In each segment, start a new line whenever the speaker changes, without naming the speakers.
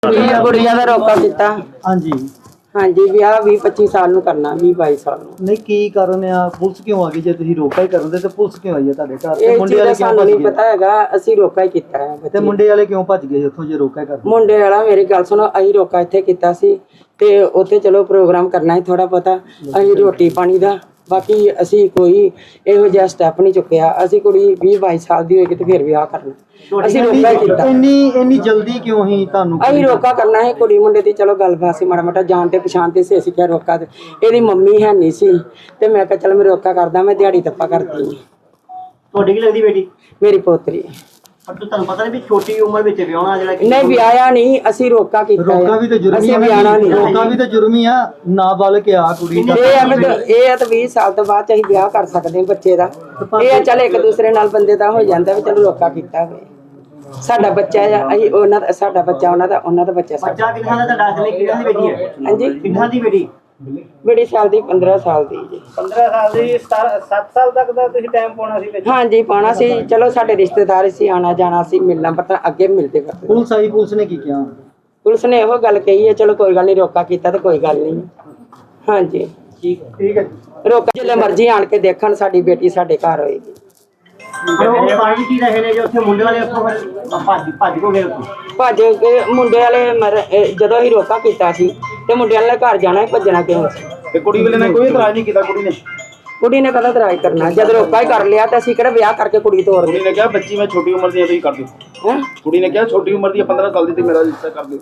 गुड़िया का रोका किया।
हाँ जी
हाँ जी ब्याह 20-25 साल ਨੂੰ ਕਰਨਾ 20-22 ਸਾਲ ਨੂੰ।
नहीं की कारण आ पुलिस क्यों आ गई जे ਤੁਸੀਂ ਰੋਕਾ ਹੀ ਕਰਦੇ ਤੇ ਪੁਲਿਸ ਕਿਉਂ ਆਈ ਹੈ ਤੁਹਾਡੇ ਘਰ ਤੇ
ਇਹ
ਮੁੰਡੇ
ਚੀਜ਼
ਵਾਲੇ
ਦਾ
ਕਿਉਂ
ਸਾਨੂੰ
ਭੱਜ
ਨਹੀਂ
ਗਏ
ਪਤਾ ਹੈਗਾ, ਅਸੀਂ ਰੋਕਾ ਹੀ ਕੀਤਾ ਹੈ
ਤੇ
ਬੱਚੇ।
ਮੁੰਡੇ ਵਾਲੇ ਕਿਉਂ ਭੱਜ ਗਏ ਉੱਥੋਂ ਜੇ ਰੋਕਾ ਕਰਦੇ
ਮੁੰਡੇ ਵਾਲਾ ਮੇਰੀ ਗੱਲ ਸੁਣੋ, ਅਸੀਂ ਰੋਕਾ ਇੱਥੇ ਕੀਤਾ ਸੀ ਤੇ ਉੱਥੇ ਚਲੋ ਪ੍ਰੋਗਰਾਮ ਕਰਨਾ ਹੈ ਥੋੜਾ ਪਤਾ, ਅਸੀਂ ਰੋਟੀ ਪਾਣੀ ਦਾ, ਬਾਕੀ ਅਸੀਂ ਕੋਈ ਇਹੋ ਜਿਹਾ ਸਟੈਪ ਨਹੀਂ ਚੁੱਕਿਆ। ਅਸੀਂ ਕੁੜੀ 20-22 ਸਾਲ ਦੀ ਹੋਏਗੀ ਤੇ ਫਿਰ ਵਿਆਹ ਕਰਨਾ, ਅਸੀਂ ਰੋਕਾ ਹੀ ਕੀਤਾ।
ਇੰਨੀ ਜਲਦੀ ਕਿਉਂ ਹੀ ਤੁਹਾਨੂੰ
ਅਸੀਂ ਰੋਕਾ ਕਰਨਾ ਹੈ, ਕੁੜੀ ਮੁੰਡੇ ਦੀ ਚਲੋ ਗੱਲਬਾਤ ਸੀ, ਮਾੜਾ ਮਾੜਾ ਜਾਣ ਤੇ ਪਛਾਣ ਤੇ ਸੀ, ਅਸੀਂ ਕਿਹਾ ਰੋਕਾ ਤੇ ਇਹਦੀ ਮੰਮੀ ਹੈ ਨਹੀਂ ਸੀ ਤੇ ਮੈਂ ਕਿਹਾ ਚਲ ਮੈਂ ਰੋਕਾ ਕਰਦਾ, ਮੈਂ ਦਿਹਾੜੀ ਤੱਪਾ ਕਰਦੀ ਹਾਂ।
ਤੁਹਾਡੀ ਕੀ ਲੱਗਦੀ ਬੇਟੀ
ਮੇਰੀ ਪੋਤਰੀ
ਪਰ ਤੁਹਾਨੂੰ ਪਤਾ ਨਹੀਂ ਵੀ ਛੋਟੀ ਉਮਰ ਵਿੱਚ ਵਿਆਹਣਾ ਜਿਹੜਾ
ਨਹੀਂ ਵਿਆਹਿਆ ਨਹੀਂ, ਅਸੀਂ ਰੋਕਾ ਕੀਤਾ।
ਰੋਕਾ ਵੀ ਤਾਂ ਜੁਰਮ ਹੀ
ਅਸੀਂ ਵਿਆਹਣਾ ਨਹੀਂ,
ਰੋਕਾ ਵੀ ਤਾਂ ਜੁਰਮ ਹੀ ਆ। ਨਾਬਾਲਗ ਆ ਕੁੜੀ ਦਾ
ਇਹ ਆ ਤਾਂ 20 ਸਾਲ ਤੋਂ ਬਾਅਦ ਅਸੀਂ ਵਿਆਹ ਕਰ ਸਕਦੇ ਹਾਂ ਬੱਚੇ ਦਾ। ਇਹ ਆ ਚੱਲ ਇੱਕ ਦੂਸਰੇ ਨਾਲ ਬੰਦੇ ਦਾ ਹੋ ਜਾਂਦਾ ਵੀ ਚਲੋ ਰੋਕਾ ਕੀਤਾ ਹੋਵੇ। ਸਾਡਾ ਬੱਚਾ ਆ, ਅਸੀਂ ਉਹਨਾਂ ਦਾ, ਸਾਡਾ ਬੱਚਾ ਉਹਨਾਂ ਦਾ ਬੱਚਾ ਸਾਡਾ।
ਬੱਚਾ ਕਿੰਨਾ ਦਾ ਦਾਖਲੇ ਕਿੰਨਾ ਦੀ ਬੇਟੀ ਹੈ?
ਹਾਂਜੀ
ਕਿੰਨਾ ਦੀ ਬੇਟੀ?
ਬੜੀ ਸਾਲ ਦੀ 15 ਸਾਲ ਦੀ ਜੀ।
15 ਸਾਲ ਦੀ 7 ਸਾਲ ਤੱਕ ਦਾ ਤੁਸੀਂ ਟਾਈਮ ਪਾਉਣਾ ਸੀ ਵਿੱਚ।
ਹਾਂਜੀ ਪਾਉਣਾ ਸੀ, ਚਲੋ ਸਾਡੇ ਰਿਸ਼ਤੇਦਾਰ ਸੀ, ਆਣਾ ਜਾਣਾ ਸੀ, ਮਿਲਣਾ ਪਤਾ ਅੱਗੇ ਮਿਲਦੇ ਕਰਦੇ।
ਪੁਲਿਸ ਆਈ, ਪੁਲਿਸ ਨੇ ਕੀ ਕਿਹਾ?
ਪੁਲਿਸ ਨੇ ਇਹੋ ਗੱਲ ਕਹੀ ਹੈ ਚਲੋ ਕੋਈ ਗੱਲ ਨਹੀਂ, ਰੋਕਾ ਕੀਤਾ ਤੇ ਕੋਈ ਗੱਲ ਨਹੀਂ। ਹਾਂਜੀ
ਠੀਕ ਹੈ
ਰੋਕਾ ਜਿੱਲੇ ਮਰਜ਼ੀ ਆਣ ਕੇ ਦੇਖਣ, ਸਾਡੀ ਬੇਟੀ ਸਾਡੇ ਘਰ ਹੋਏਗੀ।
ਉਹ ਪਾਣੀ ਕੀ ਰਹੇ ਨੇ ਜੋ ਉੱਥੇ ਮੁੰਡੇ ਵਾਲੇ ਉੱਥੋਂ ਭੱਜ ਕੋ ਗਏ ਉੱਥੋਂ?
ਭੱਜ ਕੇ ਮੁੰਡੇ ਵਾਲੇ ਜਦੋਂ ਹੀ ਰੋਕਾ ਕੀਤਾ ਸੀ ਤੇ ਮੁੰਡੇ ਵਾਲੇ ਘਰ ਜਾਣਾ, ਭੱਜਣਾ ਕਿਉਂ ਸੀ?
ਤੇ ਕੁੜੀ ਵਾਲੇ ਨੇ ਕੋਈ ਇਤਰਾਜ਼ ਨਹੀਂ ਕੀਤਾ?
ਕੁੜੀ ਨੇ ਕਦਾ ਇਤਰਾਜ਼ ਕਰਨਾ, ਜਦ ਰੋਕਾ ਹੀ ਕਰ ਲਿਆ ਤਾਂ ਅਸੀਂ ਕਿਹੜਾ ਵਿਆਹ ਕਰਕੇ ਕੁੜੀ ਤੋੜ
ਕੁੜੀ ਨੇ ਕਿਹਾ ਬੱਚੀ ਮੈਂ ਛੋਟੀ ਉਮਰ ਦੀ ਆ, ਤੁਸੀਂ ਕਰ ਦਿਓ।
ਹੈ
ਕੁੜੀ ਨੇ ਕਿਹਾ ਛੋਟੀ ਉਮਰ ਦੀ 15 ਸਾਲ ਦੀ ਤੇ ਮੇਰਾ ਰਿਸ਼ਤਾ ਕਰ ਦਿਓ।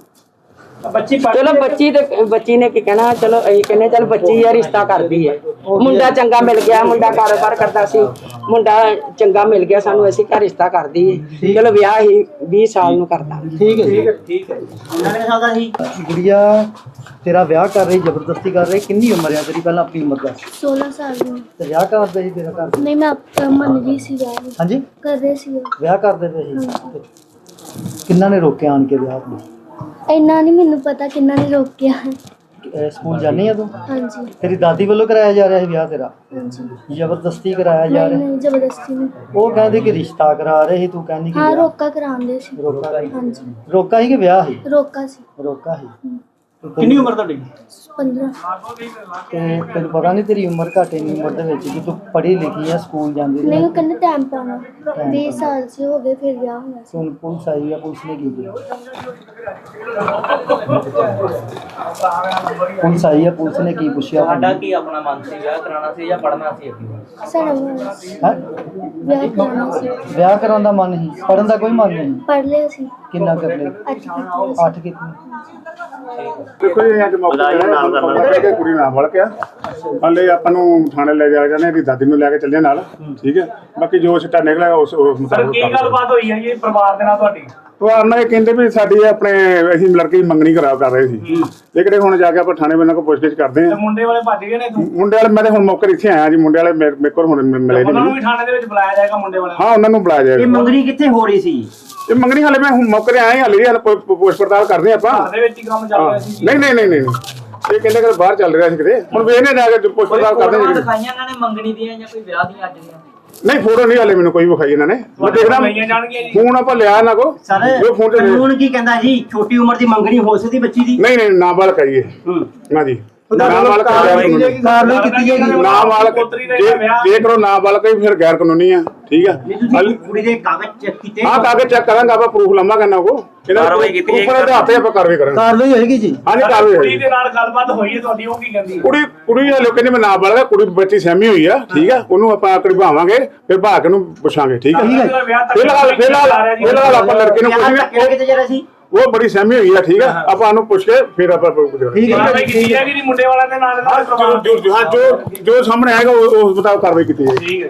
ਚਲੋ ਬੱਚੀ ਨੇ ਕੀ ਕਹਿਣਾ, ਚਲੋ ਅਸੀਂ ਕਹਿੰਦੇ ਚਲ ਬੱਚੀ ਆ, ਰਿਸ਼ਤਾ ਕਰਦੀ ਹੈ। ਮੁੰਡਾ ਚੰਗਾ ਮਿਲ ਗਿਆ, ਮੁੰਡਾ ਕਾਰੋਬਾਰ ਕਰਦਾ ਸੀ, ਮੁੰਡਾ ਚੰਗਾ ਮਿਲ ਗਿਆ ਸਾਨੂੰ, ਅਸੀਂ ਘਰ ਰਿਸ਼ਤਾ ਕਰਦੀ ਹੈ। ਚਲੋ ਵਿਆਹ ਹੀ 20 ਸਾਲ ਨੂੰ ਕਰਦਾ।
ਠੀਕ ਹੈ ਠੀਕ ਹੈ। ਕਿੰਨੇ ਸਾਲ ਦਾ ਸੀ ਗੁੜੀਆ? ਤੇਰਾ ਵਿਆਹ ਕਰ ਰਹੀ, ਜ਼ਬਰਦਸਤੀ ਕਰ ਰਹੀ, ਕਿੰਨੀ ਉਮਰ ਹੈ ਤੇਰੀ? ਪਹਿਲਾਂ ਆਪਣੀ ਉਮਰ ਦਾ।
16 ਸਾਲ ਦੀ।
ਤੇ ਵਿਆਹ ਕਰਦੇ ਸੀ ਤੇਰਾ ਘਰ?
ਨਹੀਂ ਮੈਂ ਮੰਨ ਰਹੀ ਸੀ ਵਿਆਹ ਨੂੰ।
ਹਾਂਜੀ
ਕਰ ਰਹੇ ਸੀ।
ਵਿਆਹ ਕਰਦੇ ਪਏ ਸੀ? ਕਿੰਨਾ ਨੇ ਰੋਕਿਆ ਆਣ ਕੇ ਵਿਆਹ ਨੂੰ?
ਇੰਨਾ ਨਹੀਂ ਮੈਨੂੰ ਪਤਾ ਕਿੰਨਾ ਨੇ ਰੋਕਿਆ।
ਸਕੂਲ ਜਾਂਦੀ ਆ ਤੂੰ?
ਹਾਂਜੀ
ਤੇਰੀ ਦਾਦੀ ਵੱਲੋਂ ਕਰਾਇਆ ਜਾ ਰਿਹਾ ਸੀ ਵਿਆਹ ਤੇਰਾ?
ਹਾਂਜੀ।
ਜ਼ਬਰਦਸਤੀ ਕਰਾਇਆ ਜਾ
ਨਹੀਂ
ਰਿਹਾ?
ਨਹੀਂ ਜ਼ਬਰਦਸਤੀ ਨਹੀਂ।
ਉਹ ਕਹਿੰਦੇ ਕਿ ਰਿਸ਼ਤਾ ਕਰਾ ਰਹੇ ਸੀ, ਤੂੰ ਕਹਿੰਦੀ ਕਿ
ਹਾਂ
ਵਿਆਹ?
ਰੋਕਾ ਕਰਾਉਂਦੇ ਸੀ।
ਰੋਕਾ ਸੀ?
ਹਾਂਜੀ
ਰੋਕਾ ਸੀ ਕਿ ਵਿਆਹ ਸੀ?
ਰੋਕਾ ਸੀ।
ਰੋਕਾ ਸੀ।
ਕਿੰਨੀ ਉਮਰ ਤੁਹਾਡੀ?
15।
ਤੇ ਤੈਨੂੰ ਪਤਾ ਨਹੀਂ ਤੇਰੀ ਉਮਰ ਘੱਟ ਇੰਨੀ ਉਮਰ ਦੇ ਵਿੱਚ ਕਿ ਤੂੰ ਪੜ੍ਹੀ ਲਿਖੀ ਆ, ਸਕੂਲ ਜਾਂਦੀ
ਨਹੀਂ
ਰਹੀ?
ਉਹ ਕਹਿੰਦੇ ਟਾਈਮ ਪਾਉਣਾ, 20 ਸਾਲ ਸੇ ਹੋ ਗਏ ਫਿਰ ਵਿਆਹ ਹੋਇਆ ਸੀ।
ਹੁਣ ਪੁਲਿਸ ਆਈ ਆ, ਪੁਲਿਸ ਨੇ ਕੀ ਕੀਤਾ? ਪੁਲਿਸ ਆਈ ਆ, ਪੁਲਿਸ ਨੇ ਕੀ ਪੁੱਛਿਆ?
ਸਾਡਾ ਕੀ ਆਪਣਾ ਮਨ ਸੀ, ਵਿਆਹ ਕਰਾਉਣਾ ਸੀ ਜਾਂ ਪੜ੍ਹਨਾ ਸੀ ਅੱਗੇ?
ਸਾਡਾ ਹੋਇਆ ਸੀ।
ਹੈਂ?
ਵਿਆਹ ਕਰਾਉਣਾ ਸੀ।
ਵਿਆਹ ਕਰਾਉਣ ਦਾ ਮਨ ਸੀ, ਪੜਨ ਦਾ ਕੋਈ ਮਨ ਨਹੀਂ?
ਪੜ੍ਹ ਲਿਆ ਸੀ।
ਕਿੰਨਾ ਕਰ ਲਿਆ?
8 ਕੀਤੀ ਸੀ।
8 ਕਿਤਨੀ?
ਦੇਖੋ ਜੀ ਅੱਜ ਮੌਕਾ ਕਿ ਕੁੜੀ ਨਾਲ ਵੜ ਗਿਆ। ਹਲੇ ਆਪਾਂ ਨੂੰ ਥਾਣੇ ਲੈ ਜਾ ਜਾਂਦੇ, ਇਹਦੀ ਦਾਦੀ ਨੂੰ ਲੈ ਕੇ ਚੱਲੇ ਨਾਲ। ਠੀਕ ਹੈ, ਬਾਕੀ ਜੋ ਸਿੱਟਾ ਨਿਕਲਿਆ ਉਸ ਮੁਤਾਬਕ।
ਕੀ ਗੱਲਬਾਤ ਹੋਈ ਹੈ ਜੀ ਪਰਿਵਾਰ ਦੇ ਨਾਲ ਤੁਹਾਡੀ?
ਪਰਿਵਾਰ ਨਾਲ ਇਹ ਕਹਿੰਦੇ ਵੀ ਸਾਡੀ ਆਪਣੇ ਅਸੀਂ ਲੜਕੇ ਦੀ ਮੰਗਣੀ ਕਰਾ ਰਹੇ ਸੀ, ਲੇਕਿਨ ਹੁਣ ਜਾ ਕੇ ਆਪਾਂ ਥਾਣੇ ਵਾਲਿਆਂ ਕੋਲ ਪੁੱਛਗਿੱਛ ਕਰਦੇ ਹਾਂ।
ਮੁੰਡੇ ਵਾਲੇ ਭੱਜ ਗਏ ਨੇ?
ਮੁੰਡੇ ਵਾਲੇ ਮੈਂ ਹੁਣ ਮੌਕੇ ਇੱਥੇ ਆਇਆ ਜੀ, ਮੁੰਡੇ ਵਾਲੇ ਮੇਰੇ ਕੋਲ ਹੁਣ ਮਿਲੇ
ਉਹਨਾਂ ਨੂੰ
ਨਹੀਂ।
ਵੀ ਥਾਣੇ ਦੇ ਵਿੱਚ ਬੁਲਾਇਆ ਜਾਏਗਾ ਮੁੰਡੇ ਵਾਲਿਆਂ ਨੂੰ?
ਹਾਂ ਉਹਨਾਂ ਨੂੰ ਬੁਲਾਇਆ ਜਾਏਗਾ।
ਮੰਗਣੀ ਕਿੱਥੇ ਹੋ ਰਹੀ ਸੀ?
ਇਹ ਮੰਗਣੀ ਹਾਲੇ ਮੈਂ ਹੁਣ ਮੌਕੇ ਤੇ ਆਇਆ, ਹਾਲੇ ਪੁੱਛ ਪੜਤਾਲ ਕਰਦੇ ਆਪਾਂ।
ਘਰ ਦੇ ਵਿੱਚ ਹੀ ਕੰਮ ਚੱਲ ਰਿਹਾ ਸੀ?
ਨਹੀਂ ਇਹ ਕਹਿੰਦੇ ਕਿ ਬਾਹਰ ਚੱਲ ਰਿਹਾ ਸੀ ਕਿਤੇ, ਹੁਣ ਵੇਖਨੇ ਜਾ ਕੇ ਪੁੱਛ ਪੜਤਾਲ ਕਰਦੇ ਹਾਂ।
ਦਿਖਾਈਆਂ ਇਹਨਾਂ ਨੇ ਮੰਗਣੀ ਦੀਆਂ ਜਾਂ ਕੋਈ ਵਿਆਹ ਦੀਆਂ ਅੱਜ ਦੀਆਂ?
ਨਹੀਂ ਫੋਟੋ ਨਹੀਂ ਹਾਲੇ ਮੈਨੂੰ ਕੋਈ ਵਿਖਾਈ ਇਹਨਾਂ ਨੇ, ਮੈਂ ਦੇਖਦਾ ਫੋਨ ਆਪਾਂ ਲਿਆ ਇਹਨਾਂ ਕੋ। ਉਹ ਫੋਨ ਤੇ
ਕਾਨੂੰਨ ਕੀ ਕਹਿੰਦਾ ਜੀ? ਛੋਟੀ ਉਮਰ ਦੀ ਮੰਗਣੀ ਹੋ ਸਕਦੀ ਬੱਚੀ ਦੀ?
ਨਹੀਂ ਨਾਬਾਲਗ ਕਰੀਏ ਨਾ ਜੀ, ਨਾਬਾਲਗ
ਕਾਰਵਾਈ ਕੀਤੀ ਜਾਏਗੀ।
ਨਾਬਾਲਗ ਜੇ ਕਰੋ ਨਾਬਾਲਗ ਹੀ ਫਿਰ ਗੈਰ ਕਾਨੂੰਨੀ ਆ। ਠੀਕ ਆ,
ਕੁੜੀ ਦੇ ਕਾਗਜ਼ ਚੈੱਕ ਕੀਤੇ?
ਹਾਂ ਕਾਗਜ਼ ਚੈੱਕ ਕਰਾਂਗਾ, ਆਪਾਂ ਪ੍ਰੂਫ ਲਵਾਂਗੇ ਨਾ ਕੋ।
ਕਾਰਵਾਈ ਕੀਤੀ ਜਾਏਗੀ,
ਉੱਪਰ ਦੇ ਹੱਥੇ ਆਪਾਂ ਕਾਰਵਾਈ ਕਰਾਂਗੇ।
ਕਾਰਵਾਈ ਹੋਏਗੀ ਜੀ?
ਹਾਂਜੀ ਕਾਰਵਾਈ
ਕੁੜੀ
ਹੋਏਗੀ।
ਦੇ ਨਾਲ ਗੱਲਬਾਤ ਹੋਈ ਹੈ ਤੁਹਾਡੀ, ਉਹ ਕੀ ਕਹਿੰਦੀ ਹੈ?
ਕੁੜੀ ਹਲੇ ਕਹਿੰਦੀ ਮੈਂ ਨਾਬਾਲਗ ਆ, ਕੁੜੀ ਬੱਚੀ ਸਹਿਮੀ ਹੋਈ ਆ। ਠੀਕ ਆ, ਉਹਨੂੰ ਆਪਾਂ ਆਕੜੀ ਭਾਵਾਂਗੇ, ਫਿਰ ਭਾਗ ਨੂੰ ਪੁੱਛਾਂਗੇ। ਠੀਕ ਆ, ਫਿਲਹਾਲ ਆਪਾਂ ਲੜਕੇ ਨੂੰ ਪੁੱਛਾਂਗੇ,
ਕਿਤੇ ਜਾ ਰਿਹਾ ਸੀ?
ਉਹ ਬੜੀ ਸਹਿਮੀ ਹੋਈ ਆ। ਠੀਕ ਆ, ਆਪਾਂ ਉਹਨੂੰ ਪੁੱਛ ਕੇ ਫਿਰ ਆਪਾਂ
ਕਾਰਵਾਈ ਕੀਤੀ ਜਾਏਗੀ ਮੁੰਡੇ ਵਾਲਿਆਂ ਦੇ ਨਾਲ?
ਜੋ ਸਾਹਮਣੇ ਆਏਗਾ ਉਸ ਮੁਤਾਬਕ ਕਾਰਵਾਈ ਕੀਤੀ ਜਾਏਗੀ।